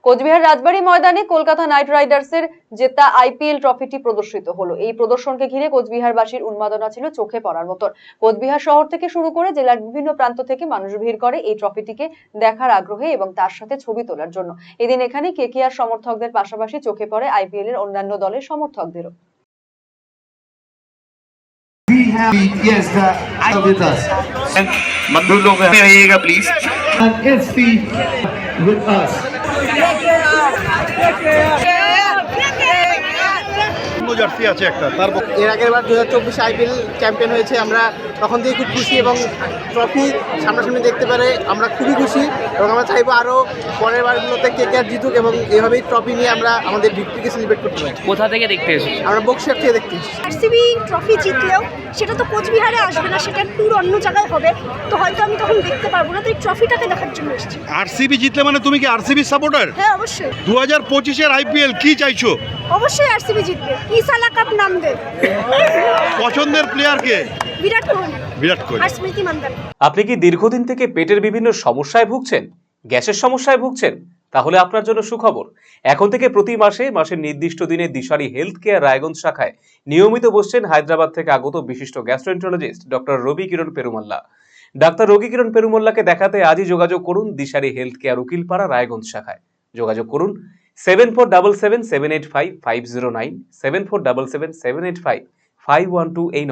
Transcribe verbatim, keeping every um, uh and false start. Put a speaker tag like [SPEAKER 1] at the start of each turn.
[SPEAKER 1] কোচবিহার রাজবাড়ী ময়দানে কলকাতা নাইট রাইডার্সের জেতা আইপিএল ট্রফিটি প্রদর্শিত হলো। এই প্রদর্শনকে ঘিরে কোচবিহারবাসীর উন্মাদনা ছিল চোখে পড়ার মতন। কোচবিহার শহর থেকে শুরু করে জেলার বিভিন্ন প্রান্ত থেকে মানুষ ভিড় করে এই ট্রফিটিকে দেখার আগ্রহে এবং তার সাথে ছবি তোলার জন্য। এদিন এখানে কেকেআর সমর্থকদের পাশাপাশি চোখে পড়ে আইপিএল এর অন্যান্য দলের সমর্থকদেরও।
[SPEAKER 2] We have yes the idol with us.
[SPEAKER 3] And मजदूर लोग हैं आइएगा please.
[SPEAKER 2] And S P with us.
[SPEAKER 4] Jersey আছে একটা তার
[SPEAKER 5] এর আগের বার দু হাজার চব্বিশে আইপিএল চ্যাম্পিয়ন হয়েছে, আমরা তখন থেকে খুব খুশি এবং ট্রফি সামনাসামনি দেখতে পারে আমরা খুবই খুশি এবং আমরা চাইবো আরও পরের বারগুলোতে কেকেআর জিতুক এবং এভাবেই ট্রফি নিয়ে আমরা আমাদের ভিক্টরিকে সেলিব্রেট করতে পারি।
[SPEAKER 6] কোথা থেকে দেখতে এসেছি?
[SPEAKER 5] আমরা বক্সিয়ার থেকে দেখতে এসেছি।
[SPEAKER 7] আরসিবি ট্রফি জিতলেও সেটা তো কোচবিহারে আসবে না, সেটা ট্যুর অন্য জায়গায় হবে, তো হয়তো আমি তখন দেখতে পারবো না, তো এই ট্রফিটাকে দেখার জন্য এসেছি।
[SPEAKER 4] আরসিবি জিতলে মানে তুমি কি আরসিবি সাপোর্টার?
[SPEAKER 7] হ্যাঁ অবশ্যই।
[SPEAKER 4] দু হাজার পঁচিশের আইপিএল কি চাইছো?
[SPEAKER 7] অবশ্যই আরসিবি জিতবে, ইসালা কাপ নাম দে।
[SPEAKER 4] পছন্দের প্লেয়ার কে?
[SPEAKER 7] বিরাট কোহলি।
[SPEAKER 4] বিরাট কোহলি
[SPEAKER 7] আর স্মৃতি মান্দানা।
[SPEAKER 8] আপনি কি দীর্ঘদিন থেকে পেটের বিভিন্ন সমস্যায় ভুগছেন, গ্যাসের সমস্যায় ভুগছেন? তাহলে আপনার জন্য সুখবর। এখন থেকে প্রতি মাসে মাসের নির্দিষ্ট দিনে দিশারি হেলথ কেয়ার রায়গঞ্জ শাখায় নিয়মিত বসছেন হায়দ্রাবাদ থেকে আগত বিশিষ্ট gastroenterologist doctor Ravi Kiran Perumalla. Doctor Ravi Kiran পেরুমাল্লাকে দেখাতে আজই যোগাযোগ করুন দিশারি হেলথ কেয়ার উকিলপাড়া রায়গঞ্জ শাখায়। যোগাযোগ করুন seven four double seven seven eight five five zero nine seven four double seven seven eight five five one two এই